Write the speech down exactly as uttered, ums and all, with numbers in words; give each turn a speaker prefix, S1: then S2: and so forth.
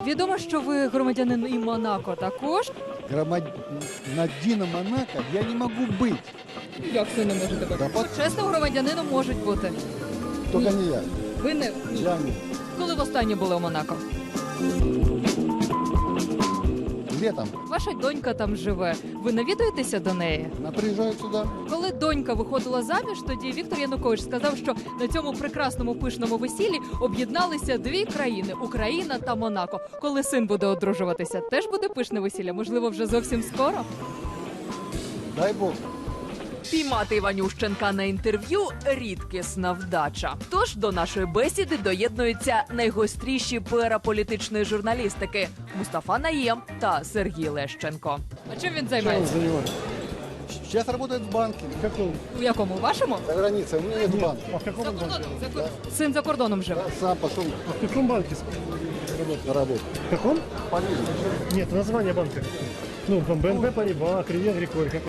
S1: Відомо, що ви громадянин і Монако також.
S2: Громадянином Монако я не могу быть.
S1: Як це не можете бути?
S2: Да, под-
S1: Чесним громадянином можуть бути.
S2: Только не я.
S1: Ви не...
S2: Я не.
S1: Коли востаннє були у Монако?
S2: Летом
S1: Ваша донька там живе. Ви навідуєтеся до неї?
S2: она приезжает сюда.
S1: Коли донька виходила заміж, тоді Віктор Янукович сказав, що на цьому прекрасному пишному весіллі об'єдналися дві країни – Україна та Монако. Коли син буде одружуватися, теж буде пишне весілля? Можливо, вже зовсім скоро?
S2: Дай бог.
S1: Піймати Іванющенка на інтерв'ю – рідкісна вдача. Тож до нашої бесіди доєднуються найгостріші пера політичної журналістики – Мустафа Наєм та Сергій Лещенко. А чим він займається?
S2: Сейчас работает в банке. В каком?
S1: У якому? Вашому?
S2: За границей. У меня нет банка.
S3: А в каком
S1: За
S3: банке?
S1: кордоном. За кор- Син за кордоном живе.
S2: Сам потом
S3: А в каком банке работает?
S2: на работу.
S3: В каком?
S2: Полиция.
S3: Нет, название банка. Ну, БНП Париба, Кредит Агриколь.